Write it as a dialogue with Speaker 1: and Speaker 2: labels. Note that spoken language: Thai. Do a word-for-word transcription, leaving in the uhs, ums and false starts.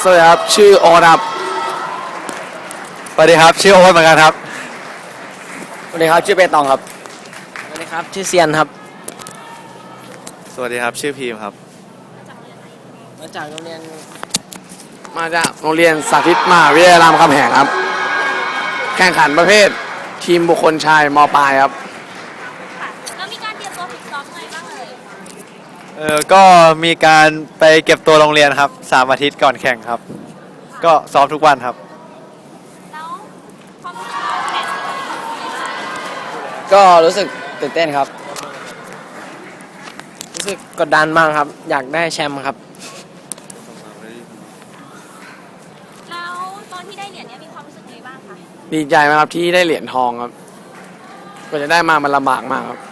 Speaker 1: วัสดีครับชื่อโอครับ
Speaker 2: สวัสดีครับชื่อโอ๊ตเหมือนกันครับ
Speaker 1: สวัสดีครับชื่อเปตองครับสวัสดีครับชื่อเซียนครับ
Speaker 2: สวัสดีครับชื่อพีมครับ
Speaker 1: มาจากโรงเรียนมาจากโรงเรียนสาธิตมหาวิทยาลัยรามคำแหงครับแข่งขันประเภททีมบุคคลชายมปลายครับ
Speaker 3: เรามีการเตรียมตัวฝึกซ้อมไงบ้างเลย
Speaker 2: เออก็มีการไปเก็บตัวโรงเรียนครับสามอาทิตย์ก่อนแข่งครับก็ซ้อมทุกวันครับ
Speaker 3: แล้วความรู้สึกเราแข่งเป็นยังไงบ้าง
Speaker 1: ก็รู้สึกตื่นเต้นครับรู้สึกกดดันมากครับอยากได้แชมป์ครับ
Speaker 3: แล้วตอนที่ได้เหรียญเนี้ยมีความรู้สึกยังไงบ้างคะ
Speaker 1: ดีใจมากครับที่ได้เหรียญทองครับกว่าจะได้มามันลำบากมากครับ